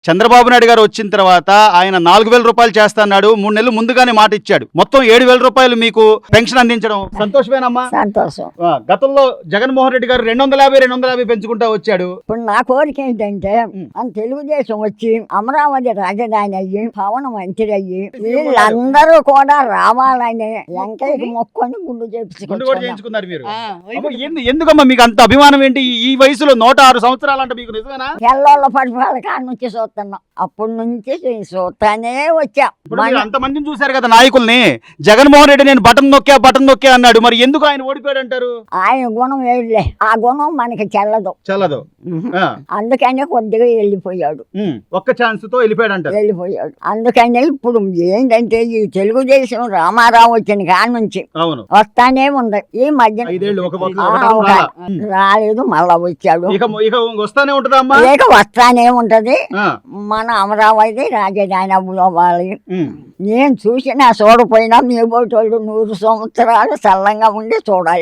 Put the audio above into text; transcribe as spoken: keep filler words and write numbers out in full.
చంద్రబాబు నాయుడు గారు వచ్చిన తర్వాత ఆయన నాలుగు వేల రూపాయలు చేస్తాడు, మూడు నెలలు ముందుగానే మాట ఇచ్చాడు. మొత్తం ఏడు వేల రూపాయలు మీకు పెన్షన్ అందించడం సంతోషమేనమ్మా? సంతోషం. ఆ, గతంలో జగన్మోహన్ రెడ్డి గారు రెండు వందల యాభై రెండు వందల యాభై పెంచుకుంటా వచ్చాడు. ఇప్పుడు నా కోరిక ఏంటంటే మన తెలుగుదేశం వచ్చి అమరావతి రాజధాని అయ్యి పవన్ మంత్రి అయ్యి వీళ్ళందరూ కూడా రావాలని వెంకయ్యకి మొక్కొని గుండు గుండు కూడా చేపించుకుంటున్నారు. చేయించుకున్నారు మీరు. అమ్మ, ఎందు- ఎందుకమ్మా మీకు అంత అభిమానం ఏంటి? ఈ- ఈ వయసులో నూట ఆరు సంవత్సరాలు అంటే మీకు నిజమేనా? తెల్లోళ్ళ పడిపాల కాడ నుంచి చూస్తున్నాం, అప్పటి నుంచి చూస్తానే వచ్చా. ఇప్పుడు మీరు అంతమందిని చూశారు కదా నాయకుల్ని. జగన్మోహన్ రెడ్డి నేను బటన్ నొక్కా బటన్ నొక్కా అన్నాడు, మరి ఎందుకు ఆయన ఓడిపోయాడు అంటారు? ఆయన గుణం వేయలే, ఆ గుణం మనకి చెల్లదు. చల్లదు. ఆ, అందుకనే కొద్దిగా వెళ్ళిపోయాడు ఉమ్, ఒక్క ఛాన్స్ తో వెళ్ళిపోయాడు అంటారు. వెళ్ళిపోయాడు అందుకనే ఇప్పుడు ఏంటంటే ఈ తెలుగుదేశం రామారావు వచ్చిన కాడ నుంచి అవును, వస్తానే ఉంది. ఈ మధ్య ఐదేళ్ళు ఒక ఒక- ఆ, ఒకటేమో ఒక- రాలా. ఉమ్. రాలేదు, మళ్ళా వచ్చాడు. ఇక ఇక వస్తానే ఉంటదా అమ్మా? లేక వస్తానే ఉంటది. ఆ, మన అమరావతి రాజధాని అవ్వాలి. ఉమ్. నేను చూసినా చూడపోయినా మీ బోటోళ్ళు నూరు సంవత్సరాలు చల్లంగా ఉండి చూడాలి.